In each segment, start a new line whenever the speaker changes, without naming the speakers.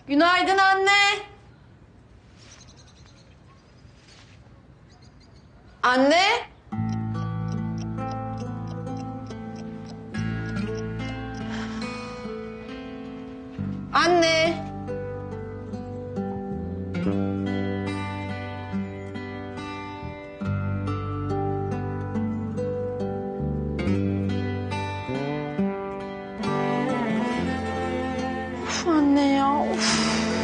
Günaydın anne. Anne. Anne. Of anne ya, of.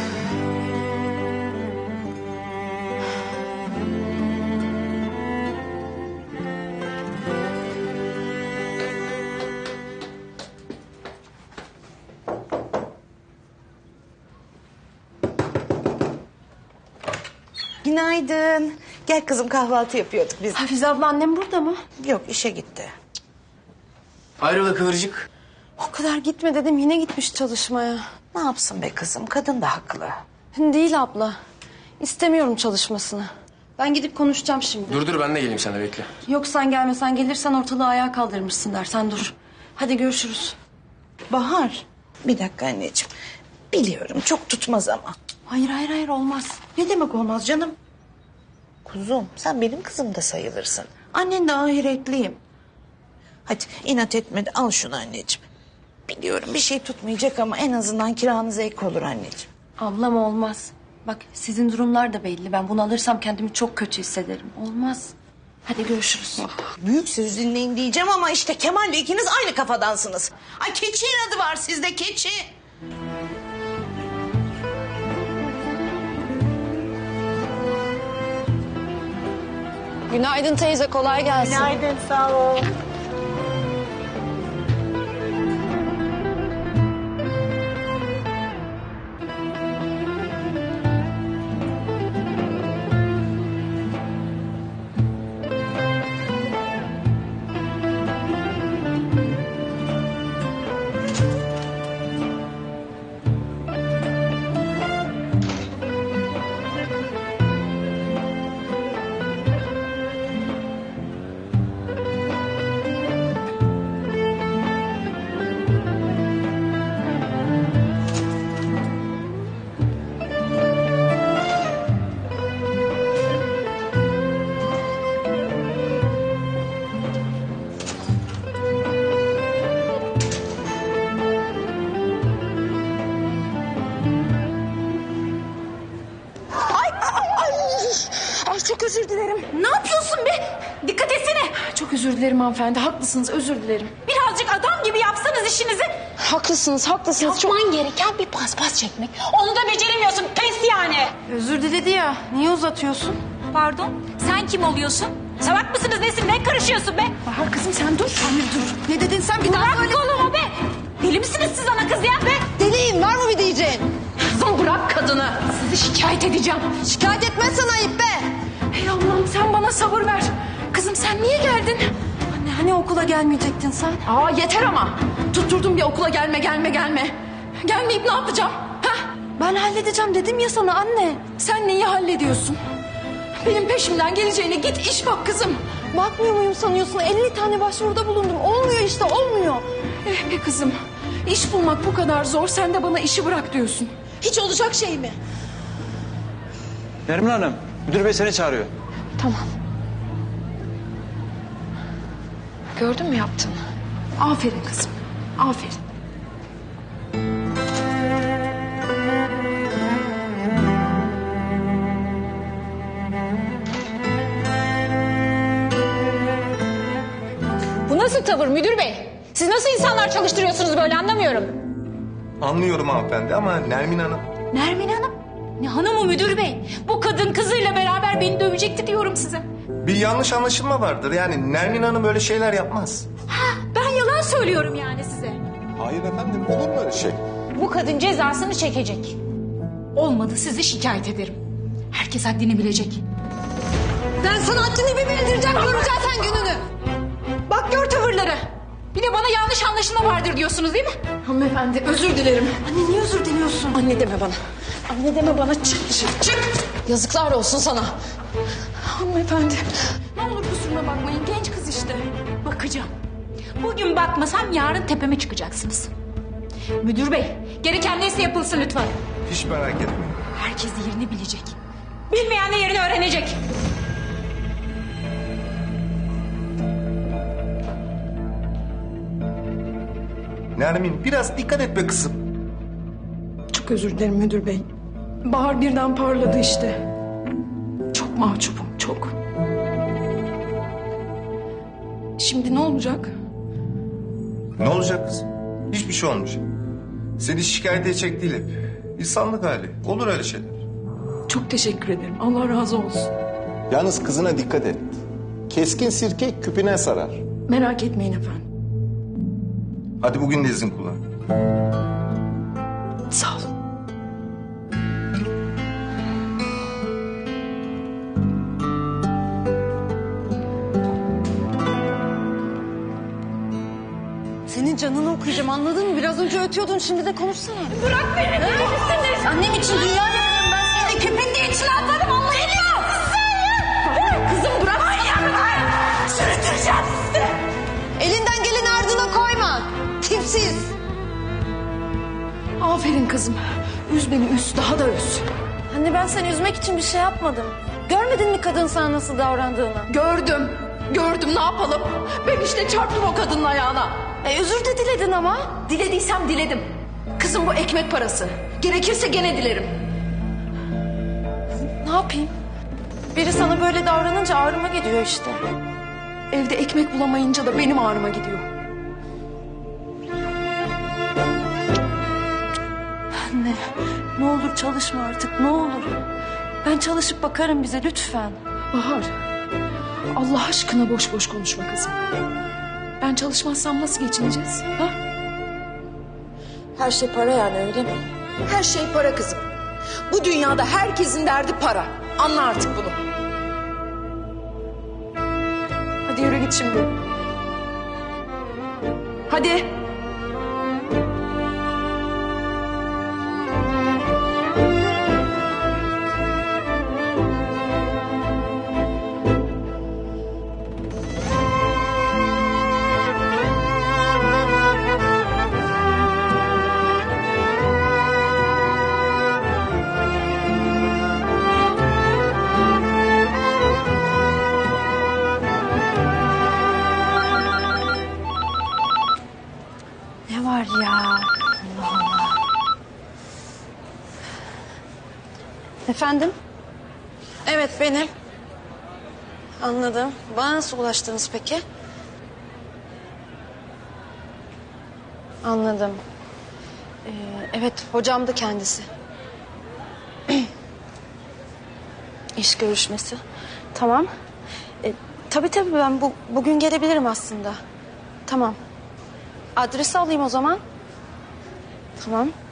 Günaydın. Gel kızım, kahvaltı yapıyorduk biz.
Hafize abla annem burada mı?
Yok, işe gitti.
Hayrola Kıvırcık?
O kadar gitme dedim, yine gitmiş çalışmaya.
Ne yapsın be kızım, kadın da haklı.
Değil abla. İstemiyorum çalışmasını. Ben gidip konuşacağım şimdi.
Dur ben de geleyim, sen de bekle.
Yok sen gelmesen, gelirsen ortalığı ayağa kaldırmışsın der. Sen dur. Hadi görüşürüz.
Bahar, bir dakika anneciğim. Biliyorum çok tutmaz ama.
Hayır olmaz.
Ne demek olmaz canım? Kuzum, sen benim kızım da sayılırsın. Annen de ahiretliyim. Hadi inat etme de al şunu anneciğim. Biliyorum bir şey tutmayacak ama en azından kiranız ek olur anneciğim.
Ablam olmaz. Bak sizin durumlar da belli. Ben bunu alırsam kendimi çok kötü hissederim. Olmaz. Hadi görüşürüz.
Büyük söz dinleyin diyeceğim ama işte Kemal'le ikiniz aynı kafadansınız. Ay keçi inadı var sizde, keçi.
Günaydın teyze, kolay gelsin.
Günaydın, sağ ol.
Ay çok özür dilerim. Ne yapıyorsun be? Dikkat etsene. Çok özür dilerim hanımefendi. Haklısınız, özür dilerim.
Birazcık adam gibi yapsanız işinizi.
Haklısınız.
Yapman gereken bir paspas çekmek. Onu da beceremiyorsun. Pes yani.
Özür diledi ya. Niye uzatıyorsun?
Pardon. Sen kim oluyorsun? Salak mısınız nesin? Ne karışıyorsun be?
Bahar kızım sen dur. Anne dur. Ne dedin sen bir daha
Bırak
söyle.
kolumu be. Deli misiniz siz ana kız ya be?
Deliyim, var mı bir diyeceğin?
Kızım bırak kadını. Sizi şikayet edeceğim.
Şikayet etmezsen ayıp be. Hey Allah'ım sen bana sabır ver. Kızım sen niye geldin? Anne hani okula gelmeyecektin sen?
Aa yeter ama.
Tutturdum bir okula gelme. Gelmeyip ne yapacağım? Heh? Ben halledeceğim dedim ya sana anne. Sen neyi hallediyorsun? Benim peşimden geleceğine git iş bak kızım. Bakmıyor muyum sanıyorsun? 50 tane başvuruda bulundum. Olmuyor işte, olmuyor. Eh be kızım. İş bulmak bu kadar zor. Sen de bana işi bırak diyorsun. Hiç olacak şey mi?
Nermin Hanım, müdür bey seni çağırıyor.
Tamam. Gördün mü yaptığını? Aferin kızım. Aferin.
Bu nasıl tavır müdür bey? Siz nasıl insanlar çalıştırıyorsunuz böyle anlamıyorum.
Anlıyorum hanımefendi ama Nermin Hanım...
Nermin Hanım? Ne hanımı müdür bey? Bu kadın kızıyla beraber beni dövecekti diyorum size.
Bir yanlış anlaşılma vardır. Yani Nermin Hanım öyle şeyler yapmaz.
Ben yalan söylüyorum yani size.
Hayır efendim, olur mu öyle şey?
Bu kadın cezasını çekecek. Olmadı sizi şikayet ederim. Herkes haddini bilecek.
Ben sana haddini bir bildireceğim. Göreceksin sen gününü.
Bak gör tavırları. Bir de bana yanlış anlaşılma vardır diyorsunuz değil mi?
Hanımefendi özür dilerim. Anne niye özür diliyorsun? Anne deme bana. Anne deme bana, çık dışarı çık. Yazıklar olsun sana. Hanımefendi.
Ne olur kusuruma bakmayın genç kız işte. Bakacağım. Bugün bakmasam yarın tepeme çıkacaksınız. Müdür bey gereken neyse yapılsın lütfen.
Hiç merak etme.
Herkes yerini bilecek. Bilmeyen de yerini öğrenecek.
Nermin biraz dikkat et be kızım.
Çok özür dilerim müdür bey. Bahar birden parladı işte. Çok mahcubum, çok. Şimdi ne olacak?
Ne olacak kızım? Hiçbir şey olmayacak. Seni şikayet edecek değil hep. İnsanlık hali. Olur öyle şeyler.
Çok teşekkür ederim. Allah razı olsun.
Yalnız kızına dikkat et. Keskin sirke küpüne sarar.
Merak etmeyin efendim.
Hadi bugün de izin kullan.
Sağ olun.
Senin canını okuyacağım, anladın mı? Biraz önce ötüyordun, şimdi de konuşsana.
Bırak beni. Neredesiniz?
Annem için dünya yakarım ben seni. Köpekliği içine atarım, anlayamıyor.
Kızım bırak.
Sürüteceğim sizi. Elinden geleni ardına koyma. Tipsiz.
Aferin kızım. Üz beni, üz. Daha da üz.
Anne ben seni üzmek için bir şey yapmadım. Görmedin mi kadın sana nasıl davrandığını?
Gördüm. Gördüm. Ne yapalım? Ben işte çarptım o kadının ayağına.
Özür de diledin ama.
Dilediysem diledim. Kızım bu ekmek parası. Gerekirse gene dilerim.
Ne yapayım? Biri sana böyle davranınca ağrıma gidiyor işte.
Evde ekmek bulamayınca da benim ağrıma gidiyor.
Anne ne olur çalışma artık, ne olur. Ben çalışıp bakarım bize lütfen.
Bahar. Allah aşkına boş boş konuşma kızım. Ben çalışmazsam nasıl geçineceğiz? Ha?
Her şey para yani, öyle mi?
Her şey para kızım. Bu dünyada herkesin derdi para. Anla artık bunu. Hadi yürü git şimdi. Hadi.
Ne var ya? Allah Allah. Efendim? Evet benim. Anladım. Bana nasıl ulaştınız peki? Anladım. Evet hocam da kendisi. İş görüşmesi. Tamam. Tabii ben bugün gelebilirim aslında. Tamam. Adresi alayım o zaman. Tamam.